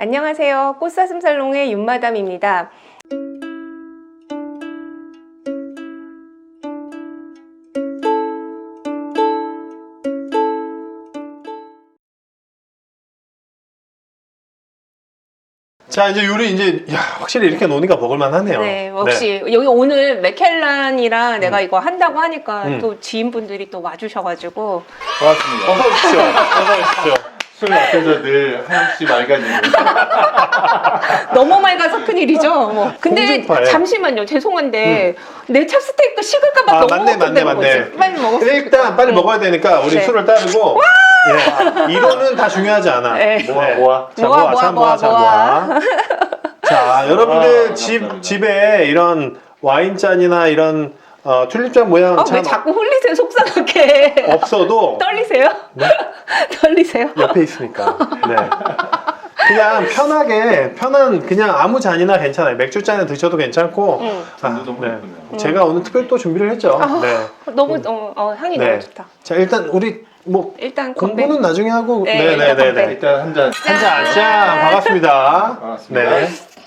안녕하세요. 꽃사슴살롱의 윤마담입니다. 자, 이제 요리 확실히 이렇게 노니까 먹을만 하네요. 네, 역시 여기 오늘 맥켈란이랑 내가 이거 한다고 하니까 또 지인분들이 또 와주셔가지고 반갑습니다. 어서 오십시오. 어서 오십시오. 술 앞에서 늘 하염없이 맑아지는. 너무 맑아서 큰일이죠. 뭐. 근데 홍준파예요. 잠시만요. 죄송한데 내 찹스테이크 식을까봐 너무 맞네. 빨리 먹었어요. 일단 빨리 먹어야 되니까 우리 네. 술을 따르고. 예. 이거는 다 중요하지 않아. 네. 모아. 자, 모아. 모아. 자, 여러분들 집에 이런 와인잔이나 이런 튤립잔 모양 왜 참 자꾸 흘리세요? 속상하게. 없어도 떨리세요? 네? 떨리세요? 옆에 있으니까. 네. 그냥 편한 그냥 아무 잔이나 괜찮아요. 맥주잔에 드셔도 괜찮고. 너무 예쁘네요. 제가 오늘 특별히 또 준비를 했죠. 네. 너무 향이 네. 너무 좋다. 자, 일단 우리 일단 건배. 공부는 나중에 하고. 네, 일단 건배. 일단 한 잔. 짠. 반갑습니다. 반갑습니다. 네.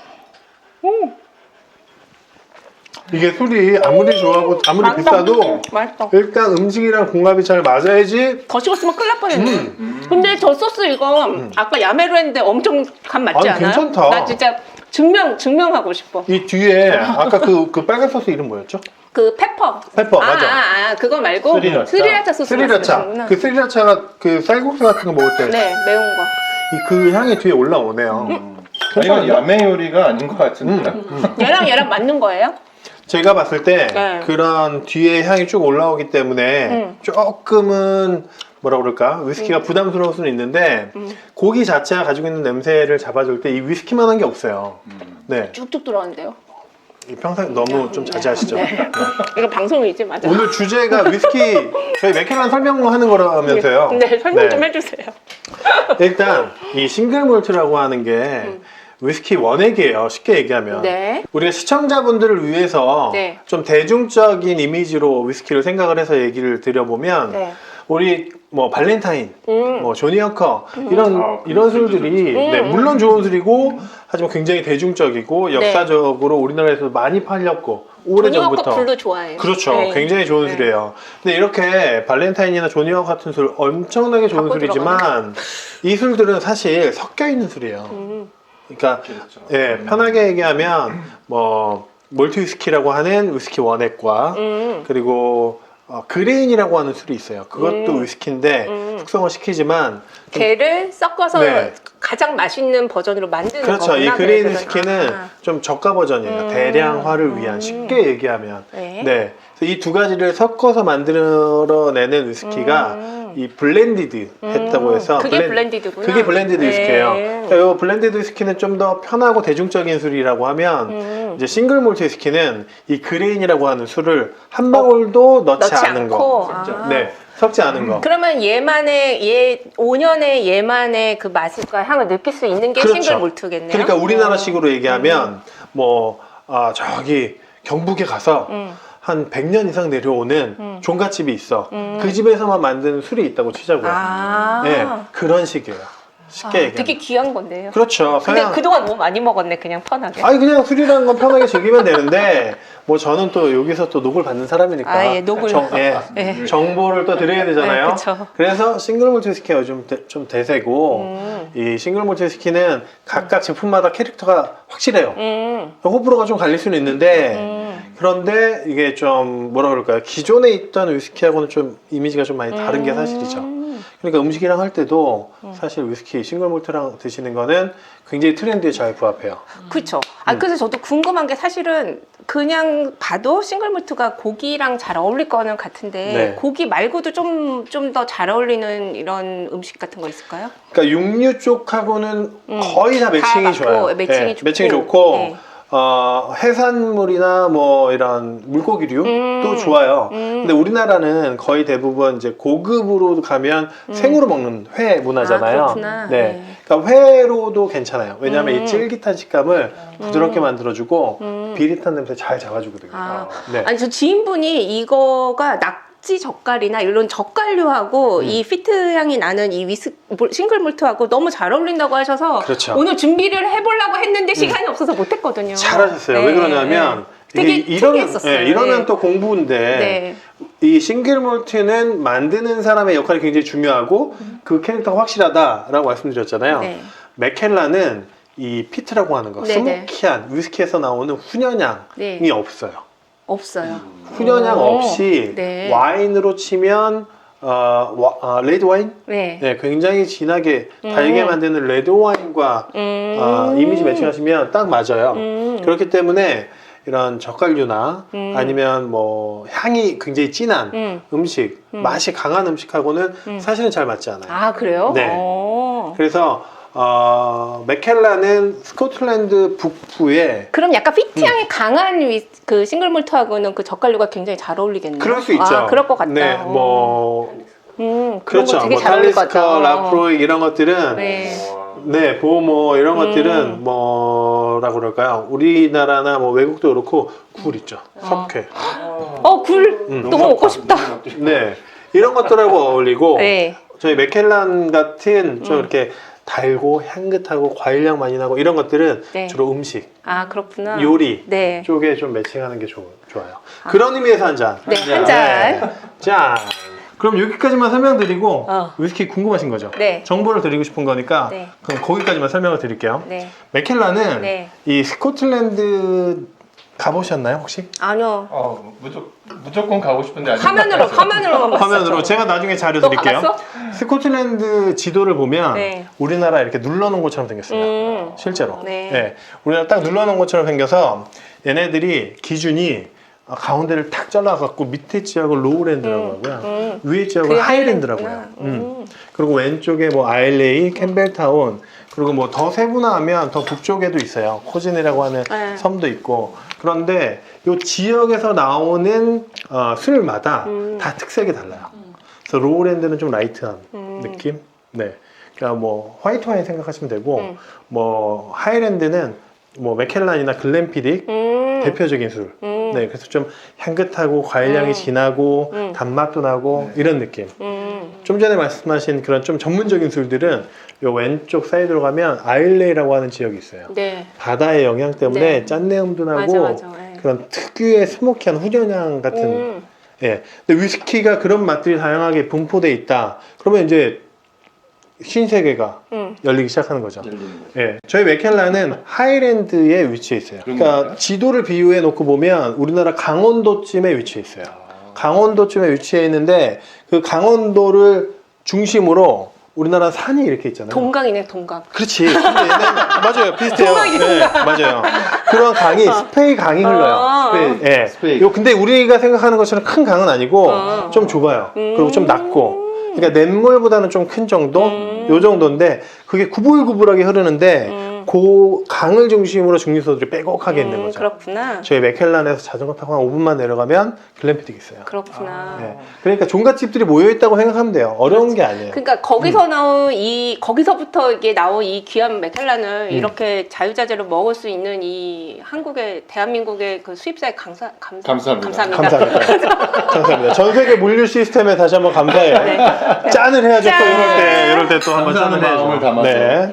이게 술이 아무리 좋아하고 아무리 비싸도 맛있어. 일단 음식이랑 궁합이 잘 맞아야지. 더 식었으면 큰일 날 뻔했네. 근데 저 소스 이거 아까 야매로 했는데 엄청 간 맞지 아니, 않아요? 괜찮다. 나 진짜 증명하고 싶어. 이 뒤에 아까 그 빨간 소스 이름 뭐였죠? 그 페퍼. 맞아. 그거 말고 스리라차 소스. 스리라차. 말씀하시는구나. 그 스리라차가 그 쌀국수 같은 거 먹을 때 네, 매운 거. 그 향이 뒤에 올라오네요. 이건 야매 요리가 아닌 것 같은데. 얘랑 맞는 거예요? 제가 봤을 때 네. 그런 뒤에 향이 쭉 올라오기 때문에 조금은 뭐라 그럴까 위스키가 부담스러울 수는 있는데 고기 자체가 가지고 있는 냄새를 잡아줄 때 이 위스키만한 게 없어요. 네, 쭉쭉 들어가는데요. 평상 너무 좀 자제하시죠. 네. 이거 방송이지, 맞아. 오늘 주제가 위스키 저희 맥켈란 설명하는 거라면서요. 네, 설명 좀 해주세요. 일단 이 싱글 몰트라고 하는 게 위스키 원액이에요. 쉽게 얘기하면. 네. 우리가 시청자분들을 위해서 네. 좀 대중적인 이미지로 위스키를 생각을 해서 얘기를 드려보면 네. 우리 뭐 발렌타인, 뭐 조니 워커 아, 이런 술들이 네, 물론 좋은 술이고 하지만 굉장히 대중적이고 역사적으로 우리나라에서 많이 팔렸고 오래전부터 조니 워커 블루 좋아해요. 그렇죠. 네. 굉장히 좋은 네. 술이에요. 근데 이렇게 발렌타인이나 조니 워커 같은 술 엄청나게 좋은 갖고 술이지만 이 술들은 사실 섞여 있는 술이에요. 그러니까 그렇죠. 예, 편하게 얘기하면 뭐 몰트 위스키라고 하는 위스키 원액과 그리고 그레인이라고 하는 술이 있어요. 그것도 위스키인데 숙성을 시키지만 좀 걔를 섞어서 네. 가장 맛있는 버전으로 만드는 그렇죠. 거구나. 이 그레인 그래서 위스키는 좀 저가 버전이에요. 대량화를 위한 쉽게 얘기하면. 네. 네. 그래서 이 두 가지를 섞어서 만들어내는 위스키가 이 블렌디드 했다고 해서 그게 블렌디드구나. 그게 블렌디드 네. 위스키예요. 그러니까 이 블렌디드 위스키는 좀 더 편하고 대중적인 술이라고 하면 이제 싱글 몰트 위스키는 이 그레인이라고 하는 술을 한 방울도 넣지 않은 거. 네. 섞지 않은 거. 그러면 5년의 얘만의 그 맛과 향을 느낄 수 있는 게 그렇죠. 싱글 몰트겠네요. 그러니까 우리나라식으로 얘기하면 저기 경북에 가서 한 100년 이상 내려오는 종갓집이 있어. 그 집에서만 만드는 술이 있다고 치자고요. 네, 그런 식이에요. 쉽게 얘기하면. 되게 귀한 건데요. 그렇죠. 근데 서양. 그동안 너무 많이 먹었네, 그냥 편하게. 아니 그냥 술이라는 건 편하게 즐기면 되는데 뭐 저는 또 여기서 또 녹을 받는 사람이니까 녹을. 네. 정보를 또 드려야 되잖아요. 네, 그쵸. 그래서 싱글 몰트 위스키가 요즘 좀 대세고 이 싱글 몰트 위스키는 각각 제품마다 캐릭터가 확실해요. 호불호가 좀 갈릴 수는 있는데 그런데 이게 좀 뭐라 그럴까요? 기존에 있던 위스키하고는 좀 이미지가 좀 많이 다른 게 사실이죠. 그러니까 음식이랑 할 때도 사실 위스키 싱글 몰트랑 드시는 거는 굉장히 트렌드에 잘 부합해요. 그렇죠. 그래서 저도 궁금한 게 사실은 그냥 봐도 싱글 몰트가 고기랑 잘 어울릴 거는 같은데 네. 고기 말고도 좀 더 잘 어울리는 이런 음식 같은 거 있을까요? 그러니까 육류 쪽하고는 거의 다 매칭이 맞고, 좋아요. 매칭이 좋고. 매칭이 좋고 네. 해산물이나 뭐 이런 물고기류도 좋아요. 근데 우리나라는 거의 대부분 이제 고급으로 가면 생으로 먹는 회 문화잖아요. 그렇구나. 네. 네. 그러니까 회로도 괜찮아요. 왜냐하면 이 쫄깃한 식감을 부드럽게 만들어주고 비릿한 냄새 잘 잡아주거든요. 네. 아니 저 지인분이 이거가 낙지 젓갈이나 이런 젓갈류하고 이 피트 향이 나는 이 싱글 몰트하고 너무 잘 어울린다고 하셔서 그렇죠. 오늘 준비를 해보려고 했는데 시간이 없어서 못했거든요. 잘하셨어요. 네, 왜 그러냐면 네. 되게 이런 특이했었어요. 이러면 네. 또 공부인데 네. 이 싱글 몰트는 만드는 사람의 역할이 굉장히 중요하고 그 캐릭터가 확실하다라고 말씀드렸잖아요. 네. 맥켈라는 이 피트라고 하는 거 네, 스모키한 위스키에서 나오는 훈연향이 네. 없어요. 없어요. 훈연향 오. 없이 네. 와인으로 치면 레드 와인? 네. 네, 굉장히 진하게 달게 만드는 레드 와인과 이미지 매칭하시면 딱 맞아요. 그렇기 때문에 이런 젓갈류나 아니면 뭐 향이 굉장히 진한 음식, 맛이 강한 음식하고는 사실은 잘 맞지 않아요. 아, 그래요? 네. 오. 그래서 맥켈라는 스코틀랜드 북부에 그럼 약간 피트 향이 강한 그 싱글 몰트하고는 그 젓갈류가 굉장히 잘 어울리겠네요. 그럴 수 있죠. 아, 그럴 것 같다. 네, 뭐 그런 그렇죠. 거 되게 뭐 잘 어울릴 것 같다. 탈리스커, 라프로이 이런 것들은 네. 네, 보모 이런 것들은 뭐라고 그럴까요? 우리나라나 뭐 외국도 그렇고 굴 있죠. 석회. 굴 너무 먹고 싶다. 네, 이런 것들하고 어울리고 네. 저희 맥켈란 같은 좀 이렇게 달고 향긋하고 과일향 많이 나고 이런 것들은 네. 주로 음식, 아, 그렇구나. 요리 네. 쪽에 좀 매칭하는 게 좋아요. 그런 의미에서 한 잔. 네, 한 잔. 네. 짠. 그럼 여기까지만 설명드리고 어. 위스키 궁금하신 거죠? 네. 정보를 드리고 싶은 거니까 네. 그럼 거기까지만 설명을 드릴게요. 네. 맥켈라는 네. 이 스코틀랜드 가보셨나요 혹시? 아니요. 무조건 가고 싶은데 아직 화면으로만 봤어요. 화면으로 제가 나중에 자료 너 드릴게요. 가봤어? 스코틀랜드 지도를 보면 네. 우리나라 이렇게 눌러놓은 것처럼 생겼습니다. 실제로. 네. 우리나라 딱 눌러놓은 것처럼 생겨서 얘네들이 기준이 가운데를 탁 잘라갖고 밑에 지역을 로우랜드라고 하고요. 위에 지역을 그게 하이랜드라고 해요. 그리고 왼쪽에 뭐 아일레이, 캠벨타운, 그리고 뭐 더 세분화하면 더 북쪽에도 있어요. 코진이라고 하는 네. 섬도 있고. 그런데 이 지역에서 나오는 술마다 다 특색이 달라요. 그래서 로우랜드는 좀 라이트한 느낌. 네. 그러니까 뭐 화이트 와인 생각하시면 되고, 뭐 하이랜드는 뭐 맥켈란이나 글렌피딕 대표적인 술. 네, 그래서 좀 향긋하고 과일향이 진하고 단맛도 나고 이런 느낌. 좀 전에 말씀하신 그런 좀 전문적인 술들은 요 왼쪽 사이드로 가면 아일레이라고 하는 지역이 있어요. 네. 바다의 영향 때문에 네. 짠내음도 나고 맞아. 네. 그런 특유의 스모키한 훈연향 같은. 예. 근데 위스키가 그런 맛들이 다양하게 분포돼 있다. 그러면 이제 신세계가 열리기 시작하는 거죠. 예, 저희 맥켈라는 하이랜드에 위치해 있어요. 그러니까 지도를 비유해 놓고 보면 우리나라 강원도쯤에 위치해 있어요. 강원도쯤에 위치해 있는데 그 강원도를 중심으로 우리나라 산이 이렇게 있잖아요. 동강이네, 동강. 그렇지. 근데 얘는 맞아요. 비슷해요. 동강이 네, 맞아요. 그런 강이 스페이 강이 흘러요. 스페이. 예. 스페이. 요 근데 우리가 생각하는 것처럼 큰 강은 아니고 좀 좁아요. 그리고 좀 낮고. 그러니까 냇물보다는 좀 큰 정도, 요 정도인데 그게 구불구불하게 흐르는데 그 강을 중심으로 증류소들이 빼곡하게 있는 거죠. 그렇구나. 저희 맥켈란에서 자전거 타고 한 5분만 내려가면 글램피딕 있어요. 그렇구나. 네. 그러니까 종갓집들이 모여 있다고 생각하면 돼요. 어려운 게 아니에요. 그러니까 거기서 나온 거기서부터 이게 나온 이 귀한 맥켈란을 이렇게 자유자재로 먹을 수 있는 이 대한민국의 그 수입사에 감사합니다. 감사합니다. 감사합니다. 전 세계 물류 시스템에 다시 한번 감사해요. 네. 짠을 해야죠. 또 짠! 이럴 때 또 한번 짠을 해야죠. 마음을 담아서. 네.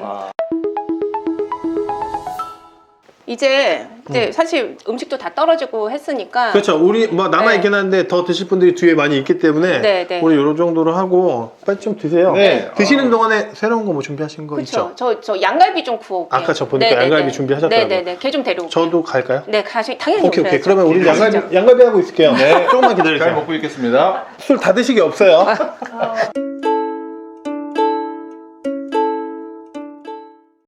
이제 사실 음식도 다 떨어지고 했으니까 그렇죠. 우리 뭐 남아 있긴 한데 더 드실 분들이 뒤에 많이 있기 때문에 네, 네. 우리 요 정도로 하고 빨리 좀 드세요. 네. 드시는 동안에 새로운 거 뭐 준비하신 거 있죠? 그렇죠. 저 양갈비 좀 구워올게요. 아까 저 보니까 양갈비 준비하셨더라고요. 네네네. 걔 좀 데려올게요. 저도 갈까요? 네, 당연히 오케이. 오셔야죠. 그러면 우리 가시죠. 양갈비 하고 있을게요. 네. 조금만 잘 기다리세요. 먹고 있겠습니다. 술 다 드시기 없어요.